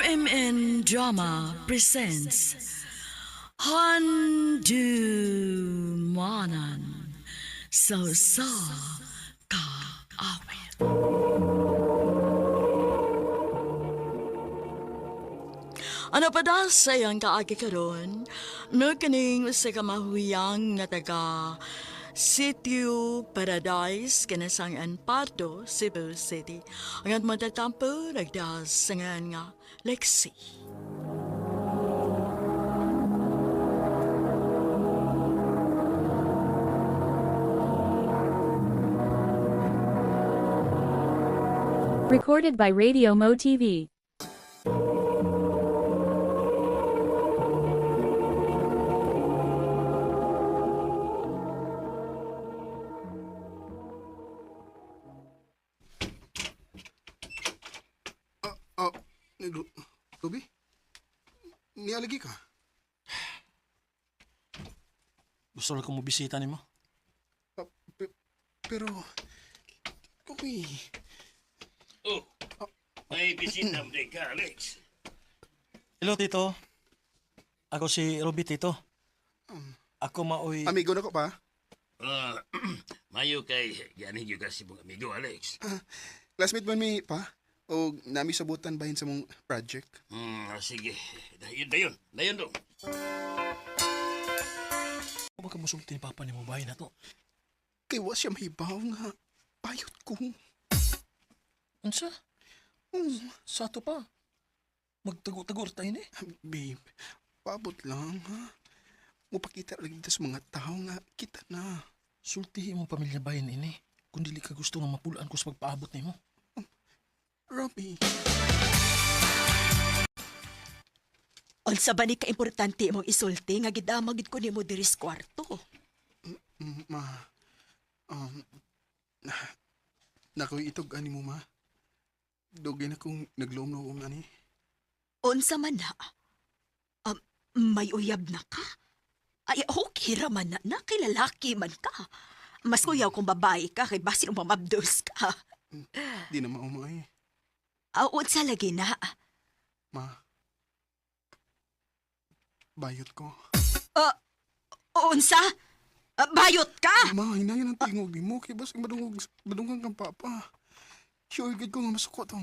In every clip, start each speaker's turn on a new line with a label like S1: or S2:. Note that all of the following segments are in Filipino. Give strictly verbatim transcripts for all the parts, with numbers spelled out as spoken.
S1: M N Drama presents Handumanan So Sa Ka Awit. Ano pa da sayang kaagi karon? No kaning sa kamahuyang nga taga Sitio Paradise, Kinasangan Pardo, Cebu City. Ang matatampo, nagdas sangan nga Lexi.
S2: Recorded by Radio Mo T V.
S3: Ah, Ru- Ruby? Nialagi ka?
S4: Gusto lang kong mabisita ni mo.
S3: Ah, pe- pero... Ruby...
S5: Oh, may bisita mo ka, Alex.
S4: Hello, Tito. Ako si Ruby, Tito. Ako maoy...
S3: Amigo na ko pa?
S5: Ah, mayo kay ganing yung kasi mong amigo, Alex.
S3: Classmate mo mi pa? O nami sabutan bahin sa mong project?
S5: Hmm, ah, sige. Dayon, dayon. Dayon dong.
S4: Ano ba ka masulti ni Papa ni mo bahay na to?
S3: Kay wa siya mahibaw nga. Payot ko.
S4: Unsa?
S3: Hmm,
S4: Sa to pa. Magtago-tagor tayo ni.
S3: babe, paabot lang ha. Mupakita lagi dito sa mga tao nga kita na.
S4: Sultihi mong pamilya bayan ini. Kung dili ka gusto nga mapulaan ko sa pagpaabot ni mo.
S3: Ruby,
S6: Unsa ba ni ka-importante imong isulti nga gidamag gid ko nimo diri sa kwarto?
S3: mm, ma... Um... na- Nakoy itog ani mo ma. Dugay na kong nagloom-loom ani.
S6: Unsa man na? Um, may uyab na ka? Ay, okay ra man na, na kay lalaki man ka. Mas kuyaw kung babae ka kay basin umamabdos ka.
S3: Di na maumay.
S6: Ah, unsa lagi na?
S3: Ma. Bayot ko.
S6: Unsa? Ah, bayot ka?
S3: Ma, hinayan ang tingog ni mo. Kaya basta madungog, madungog kang papa. Sure, gid ko nga masuko to.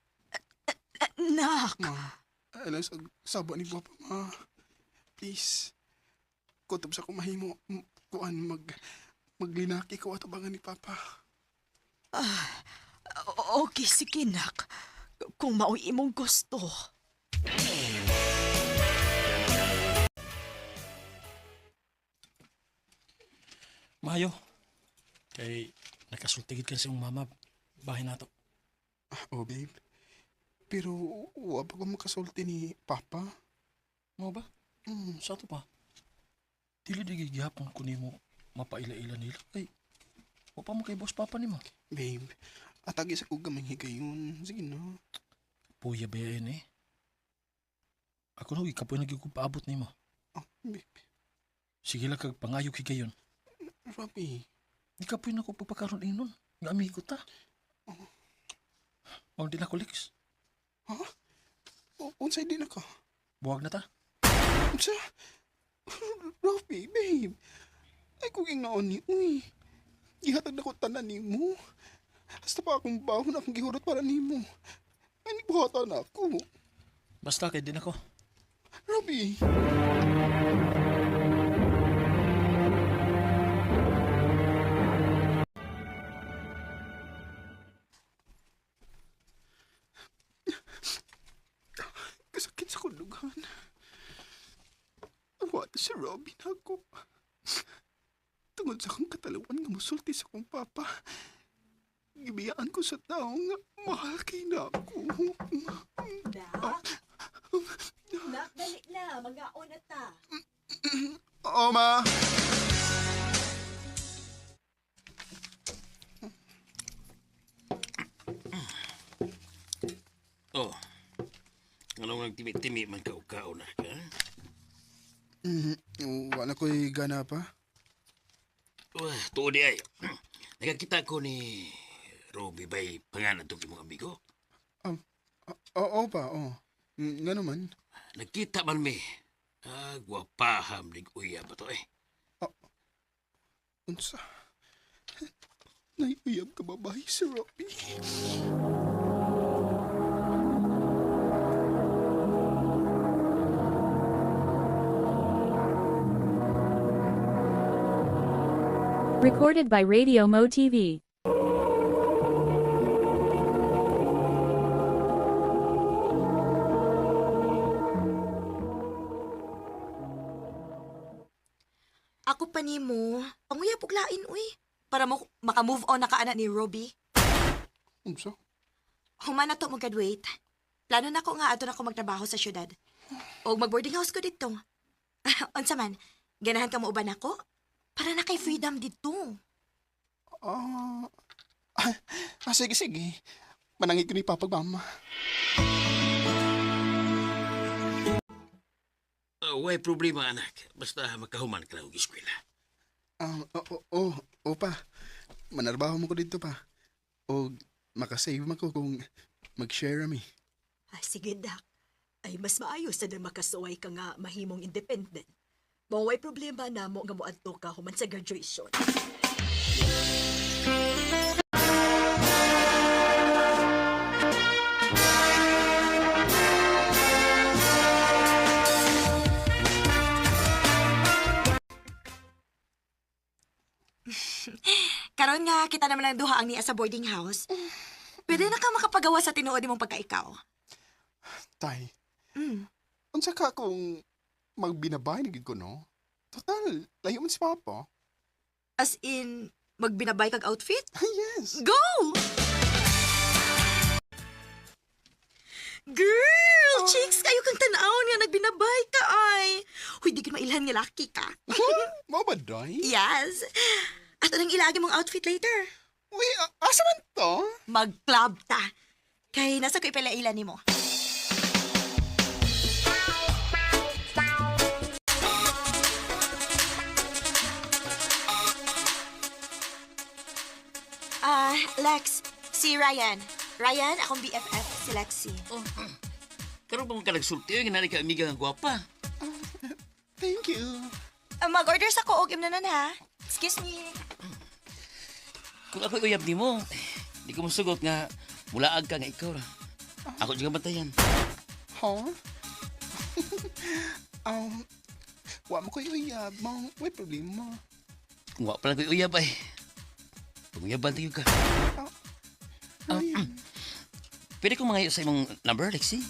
S6: Nak,
S3: Ma, alam sa saba ni papa, ma. Please. Kutob sa kumahimo. m- Kuan, mag... Maglinaki ko atabangan ni papa.
S6: o- okay sige nak. Kung mao'y imong gusto.
S4: Mayo. Kay nakasultigid ka sa iyong mama. Bahay na to.
S3: Oh, babe. Pero, wa pa ko makasulti ni papa.
S4: Mo ba? Hmm, sa to pa. Dili di gigihapon ko ni mo mapaila-ila nila. Ay, wa pa mo kay boss Papa ni mo.
S3: Babe, atagi sa kuga manghigayon. Sige na.
S4: Puya ba yan eh? Ako na, ikapoy nagiging paabot ni mo.
S3: Oh, babe.
S4: Sige lang kag pangayog higayon.
S3: Ruby.
S4: Ikapoy na ko pagpakaroon inon. Nga amigo ta. O di na ko liks.
S3: Ha? O, unsay din ako?
S4: Buwag na ta.
S3: Unsa? Ruby, babe. Ay, kung yung naon ni, uy. Gihatag na ko tanan ni mo. Hasta pa akong bahon akong gihurot para ni mo. Ay, buhatan ako.
S4: Basta kay din ako.
S3: Ruby. Kasakit sa kulugan. Awat si Robin ako. Tungod sa akong katalawan nga musulti sa akong papa. Gibiyaan ko sa tao nga mahal kay na ako.
S6: Nak? Nak, dali na. Mag-aon na ta.
S3: Oo, ma.
S5: Oh, anong nagtimi-timi man ka-ukao na ka?
S3: Mm, wala ko'y gana pa.
S5: Wah, tuod di ay. Nakakita ko ni Ruby ba'y pangalan itong imong amigo?
S3: Oo pa, oo. Mm, nga naman.
S5: Nagkita man mi. Ah, gwapaham nig uyab ba to eh.
S3: Unsa? Naiuyab ka babae si Robbie.
S2: Recorded by Radio Mo T V.
S6: Ako pa nimo, panguya puglain uy. Para mo maka-move on na kaana ni Robbie.
S3: Unsa?
S6: Human na to mag-graduate. Plano na ko nga ato na ko magtrabaho sa syudad. O mag-boarding house ko dito. Unsa man, ganahan ka mo uban ako? Para na kay freedom dito.
S3: Ah, ah, ah, sige, sige. Manangit ko ni Papa Mama.
S5: Uh, way problema anak. Basta makahuman ka lang og eskwela.
S3: Ah, oo, oh, oh, pa. Manarbaho mo ko dito pa. O makasave mo ko kung mag-share mi.
S6: Ay, sige, Dak. Ay, mas maayos na din makasuway ka nga mahimong independent. Maway problema na mo nga mo adto ka human sa graduation. Karon nga kita naman ang duha ang niya sa boarding house. Pwede na ka makapagawa sa tinuod mong pagkaikaw.
S3: Tay,
S6: Mm.
S3: unsa ka kung magbinabay na gid ko, no? Total, layo man si Papa.
S6: As in, magbinabay kag outfit?
S3: Yes.
S6: Go! Girl! Chicks, kayo kang tanawon nga nagbinabay ka ay. Huy, di ko mailhan nga laki ka.
S3: Mo ba, Day?
S6: Yes. At anong ilagi mong outfit later?
S3: Uy, a- asa man to?
S6: Mag-club ta. Kay nasa ko ipalailan ni mo. Ah, Lex, si Ryan. Ryan, akong B F F, si Lexi.
S5: Oh, karon pa mo ka nagsulti nga nari ka amiga nga gwapa.
S3: Thank you.
S6: Ah, mag-order sa ko og imnanan ha. Excuse me.
S5: Kung ako uyab nimo, di ko masugot nga mulaag ka nga ikaw ra. Ako juga bantayan.
S3: Huh? um, wa mo ko uyab mo. May problema.
S5: Kung wa pa lang ko'y uyab ay. Panguyaban tayo ka.
S3: Ryan.
S5: Pwede kong mangayo sa imong number, Lexi?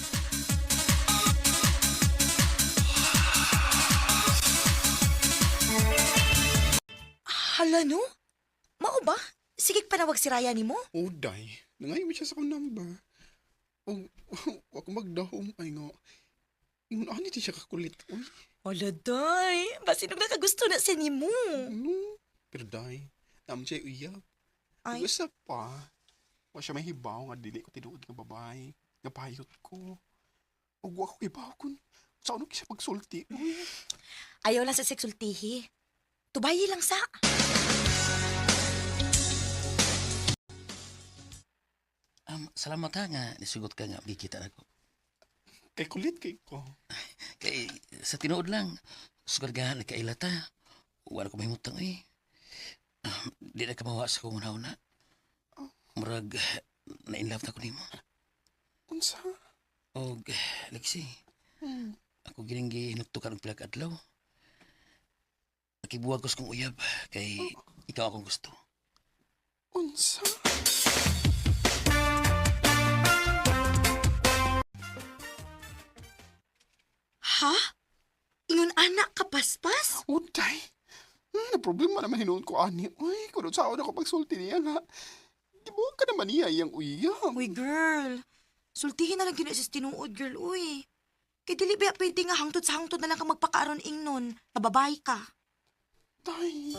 S6: Hala no? Mao ba? Sige panawag si Ryan ni mo.
S3: Oh, Day. Nangayon mo siya sa akong number. Oh, ako magdahom ay nga. Yung ano di siya kakulit. Uy,
S6: Hala, day. Basi nung nakagusto na sa nimo.
S3: ano? Pero Day, naman siya uyab.
S6: Ay.
S3: Usa pa. Wa siya mahibaw nga dili ko tinuod nga babae. Nga payot ko. O wa ko kibaw kun. Sa ano siya pagsulti? Uy.
S6: Ayaw lang sa seksultihi. Tubayi lang sa.
S5: Um, salamat ha nga nisugot ka nga gikita ako.
S3: Kay kulit kay ko.
S5: Kay sa tinuod lang, sugar nga nagkailata. Wala ko mahimutang eh. Um, di na ka mawa sa kong una-una. Murag, na-inlove na ko nimo.
S3: Unsa?
S5: Og, Lexi, ako gining gihinugtukan og pila ka adlaw. Nakibuwag ko sa kong uyab, kay ikaw akong gusto.
S3: Unsa?
S6: Ha? Ingon anak ka paspas?
S3: Uday. Hmm, na problema naman hinuon ko ani. Uy, kuno sa ako pagsulti niya nga. Di mo ka naman niya iyang uyang.
S6: Uy, girl. Sultihin na lang gina sa tinuod, girl, uy. Kay dili ba pwede nga hangtod sa hangtod na lang ka magpakaaron ingnon. Nababay ka.
S3: Tay.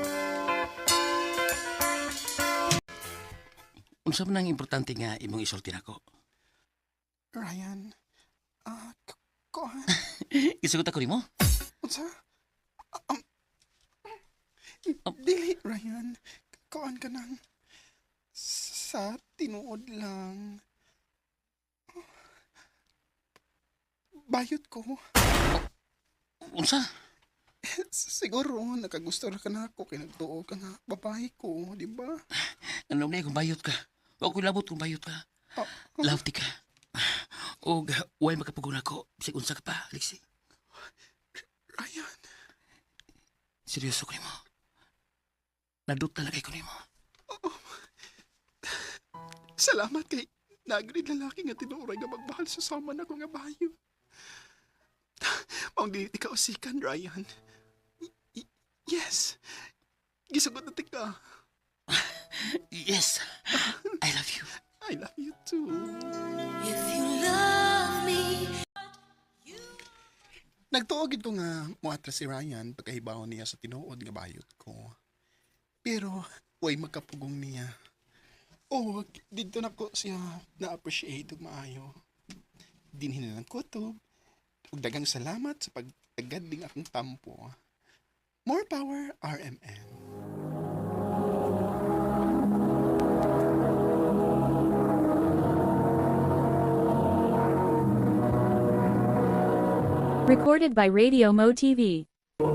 S5: Unsa man ang importante nga imong isulti nako?
S3: Ryan. Ah, k- ko.
S5: Isugot ako nimo?
S3: Unsa? Um, dili, Ryan. Kuan ka nang. Sa tinuod lang. bayot ko.
S5: Unsa?
S3: Siguro, nakagusto na ka na ako, kinagtuo ka nga, babae ko, di ba?
S5: Ano na kung bayot ka? Huwag ko labot kung bayot ka.
S3: Ah,
S5: Love ti ka. O, huwag makapaguna ko. Sig unsa ka pa, Lexi.
S3: Ryan,
S5: Seryoso ko ni mo. Nadot talaga ko ni mo.
S3: salamat kay nagrid lalaki nga tinuray nga magmahal sa sama na ko nga bayo. Maong di ka usikan, Ryan. Y- y- yes, gisugot na ti ka.
S5: Yes, I love you.
S3: I love you too.
S6: If you love me,
S3: Nagtuogid ko nga muatra si Ryan pagkahibaw niya sa tinuod nga bayot ko. Pero way magkapugong niya. Oh, dito na ko siya na-appreciate ug maayo. Dinhin na ng kutob. Ug daghang salamat sa pagtagad ding akong tampo. More power, R M N.
S2: Recorded by Radio Mo T V.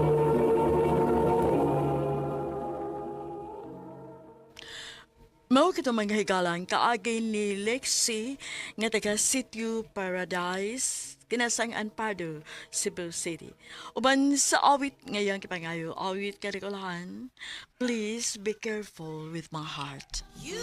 S1: Mao kito mga higalang kaagay ni Lexi nga taga Sitio Paradise, kinasang Pardo, Cebu City. Uban sa awit ngayong kipangayo, awit karikulahan, please be careful with my heart.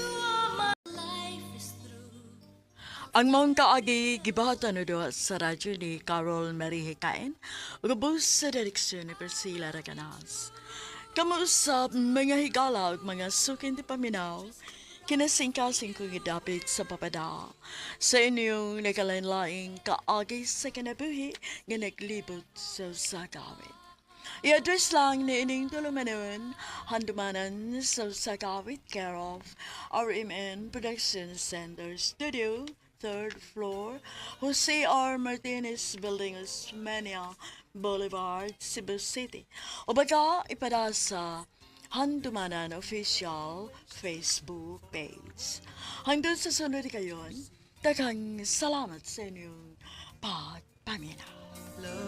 S1: Ang maong kaagi gibahatan no do sa radyo ni Carol Marie Hikain, ug ubos sa direksyon ni Priscilla Raganas. Kamuusap mga higala ug mga sukin ti paminaw, kinasingkasing kong idapit sa papada sa inyong nakalain-laing kaagi sa kinabuhi nga naglibot sa sagawit. I-address lang ni ining tulumanon, handumanan sa sagawit care of R M N Production Center Studio, third floor, Jose R. Martinez Building, Osmeña Boulevard, Cebu City. O baga, ipada sa Handumanan Official Facebook page. Hanggang sa sunod kayon, daghang salamat sa inyong pagpamina.